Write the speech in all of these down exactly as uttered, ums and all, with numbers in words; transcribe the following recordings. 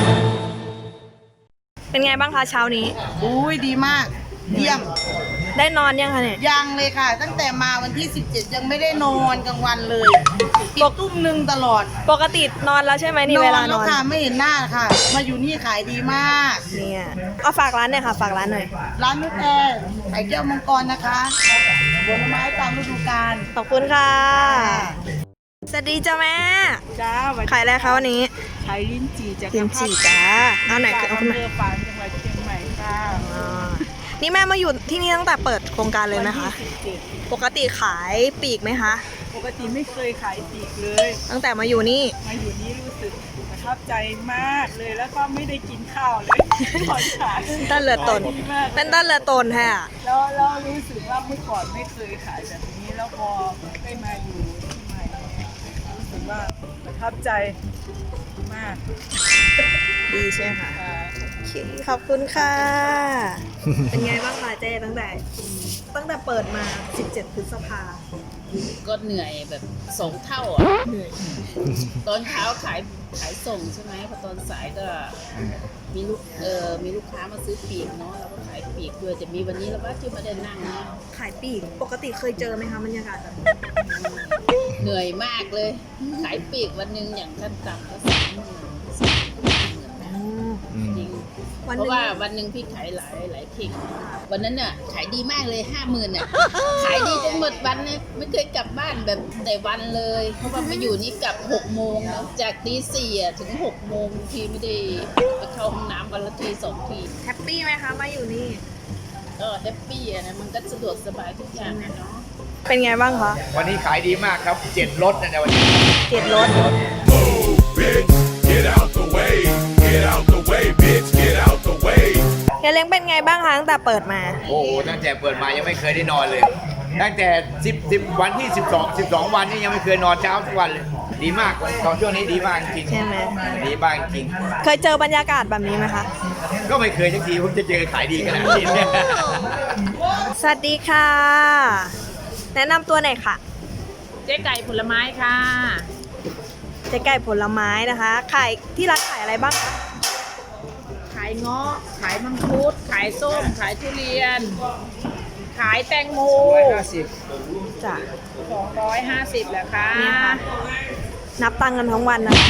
เป็นไงบ้างคะเช้านี้อุ้ยดีมากเยี่ยมได้นอนยังคะเนี่ยยังเลยค่ะ ตั้งแต่มาวันที่สิบเจ็ดยังไม่ได้นอนกลางวันเลยปิดตุ้มหนึ่งตลอดปกตินอนแล้วใช่ไหมนี่เวลานอนแล้วค่ะไม่เห็นหน้าค่ะมาอยู่นี่ขายดีมากเนี่ยเอาฝากร้านหน่อยค่ะฝากร้านหน่อยร้านนุชแอร์ไข่แก้วมังกรนะคะผลไม้ตามฤดูกาลขอบคุณค่ะสวัสดีจ้าแม่จ้าขายอะไรคะวันนี้ขายลิ้นจี่จากลิ้นจี่จ้าเอาไหนเอาขึ้นมาอำเภอฝางจังหวัดเชียงใหม่ค่ะนี่แม่มาอยู่ที่นี่ตั้งแต่เปิดโครงการเลยไหมคะปกติขายปีกไหมคะปกติไม่เคยขายปีกเลยตั้งแต่มาอยู่นี่มาอยู่นี่รู้สึกประทับใจมากเลยแล้วก็ไม่ได้กินข้าวเลยตอนขายต้นเรือตนเป็นต้นเรือตนแท้แล้วเรารู้สึกว่าเมื่อก่อนไม่เคยขายแบบนี้แล้วพอได้มาอยู่ที่ใหม่รู้สึกว่าประทับใจมากดีใช่ไหมคะขอบคุณค่ะเป็นไงบ้างคะเจ๊ตั้งแต่ตั้งแต่เปิดมาสิบเจ็ดพฤษภาก็เหนื่อยแบบสองเท่าอ่ะเหนื่อยตอนเช้าขายขายส่งใช่ไหมพอตอนสายก็มีลูกเออมีลูกค้ามาซื้อปีกเนาะเราก็ขายปีกด้วยจะมีวันนี้เราว่าที่มาเดินนั่งนะขายปีกปกติเคยเจอไหมคะบรรยากาศแบบเหนื่อยมากเลยขายปีกวันหนึ่งอย่างขั้นต่ำก็สามหมื่นจริงเพราะว่าวันหนึ่งพี่ขายหลายหลายเข่งวันนั้นน่ะขายดีมากเลยห้าหมื่นเนี่ยขายดีจนหมดวันเนี่ยไม่เคยกลับบ้านแบบแต่วันเลยเพราะว่ามาอยู่นี่กลับหกโมงแล้วจากตีสี่อ่ะถึงหกโมงทีไม่ได้ไปเข้าห้องน้ำวันละทีสองทีแฮปปี้ไหมคะมาอยู่นี่ก็แฮปปี้อ่ะนะมันก็สะดวกสบายทุกอย่างเนาะเป็นไงบ้างคะวันนี้ขายดีมากครับเจ็ดรถนะวันนี้เจ็ดรถเฮียเล้งเป็นไงบ้างคะตั้งแต่เปิดมาโอ้ตั้งแต่เปิดมายังไม่เคยได้นอนเลยตั้งแต่สิบ สิบวันที่สิบสอง สิบสองวันนี่ยังไม่เคยนอนเช้าทุกวันเลยดีมากตอนช่วงนี้ดีมากจริงใช่ไหมดีมากจริงเคยเจอบรรยากาศแบบนี้ไหมคะก็ไม่เคยสักทีผมจะเจอขายดีขนาดนี้สวัสดีค่ะแนะนำตัวหน่อยค่ะเจ๊ไก่ผลไม้ค่ะเจ๊ไก่ผลไม้นะคะขายที่ร้านขายอะไรบ้างคะขายเงาะขายมังคุดขายส้มขายทุเรียนขายแตงโมจ้ะสองร้อยห้าสิบแหละค่ะนับตังค์กันทั้งวันนะคะ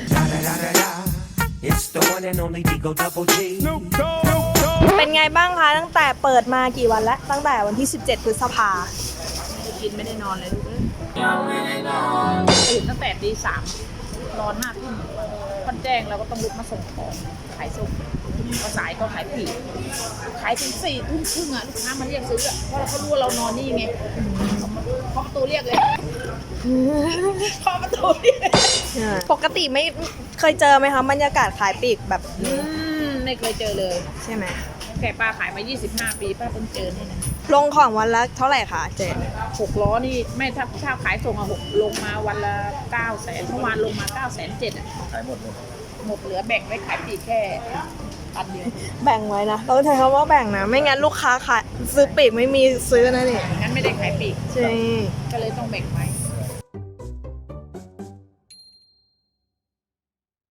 เป็นไงบ้างคะตั้งแต่เปิดมากี่วันแล้วตั้งแต่วันที่สิบเจ็ดพฤษภากินไม่ได้นอนเลยทุกคนตื่นตั้งแต่ตีสามนอนห้าทุ่มคนแจ้งเราก็ต้องลุกมาส่งของขายส่งพอสายก็ขายผีขายถึงสี่ทุ่มครึ่งอ่ะลูกค้ามาเรียกซื้ออ่ะเพราะเราเขารู้ว่าเรานอนนี่ไงเคาะประตูเรียกเลยเคาะประตูเรียกปกติไม่เคยเจอไหมคะบรรยากาศขายปีกแบบไม่เคยเจอเลยใช่ไหมแค่ป้าขายมายี่สิบห้าปีป้าเพิ่งเจอนี่นะลงของวันละเท่าไหร่คะเจ๊หกล้อนี่ไม่ถ้าถ้าขายส่งอะหกลงมาวันละเก้าแสนเมื่อวานลงมาเก้าแสนเจ็ดอะขายหมดเลยหมดเหลือแบ่งไว้ขายปีกแค่พันเดียวแบ่งไว้นะเราใช้คำว่าแบ่งนะไม่งั้นลูกค้าขายซื้อปีกไม่มีซื้อนะนี่งั้นไม่ได้ขายปีกใช่ก็เลยต้องแบ่งไว้